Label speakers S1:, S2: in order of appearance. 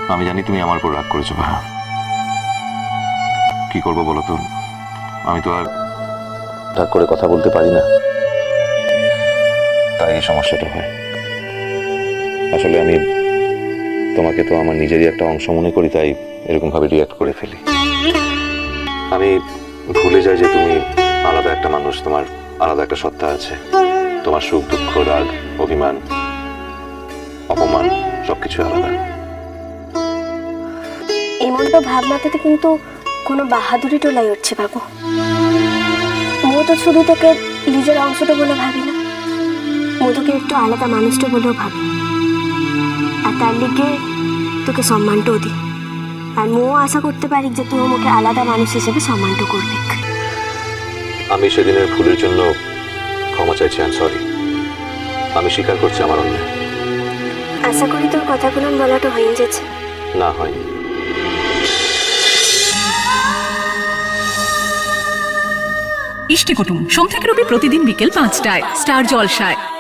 S1: আমি জানি তুমি আমার উপর রাগ করেছো ভায়া। কি করবো বলো তো, আমি তো আর রাগ করে কথা বলতে পারি না, তাই এই সমস্যাটা হয়। আসলে আমি তোমাকে তো আমার নিজেরই একটা অংশ মনে করি, তাই এরকম ভাবে রিয়াক্ট করে ফেলি। আমি ভুলে যাই যে তুমি আলাদা একটা মানুষ, তোমার আলাদা একটা সত্তা আছে। তোমার সুখ দুঃখ রাগ অভিমান অপমান সবকিছু আলাদা।
S2: এমন তো ভাবনাতে কিন্তু কোনো বাহাদুরি টোলাই উঠছে বাবু। মো তো শুধু তোকে নিজের অংশটা বলে ভাবি না, মো তোকে একটু আলাদা মানুষটা বলেও ভাবি, আর তার লিগে তোকে সম্মানটাও দিই। আর মো আশা করতে পারি যে তুই আমাকে আলাদা মানুষ হিসেবে সম্মানটা করবি।
S1: আমি সেদিনের ভুলের জন্য ক্ষমা চাইছি, আই এম সরি। আমি স্বীকার করছি আমার অন্যায়।
S2: আশা করি তোর কথাগুলো বলাটা হয়ে যাচ্ছে।
S1: না, হয়নি।
S3: ইষ্টি কুটুম সোম থেকে রবি প্রতিদিন বিকেল 5টায় স্টার জলসায়।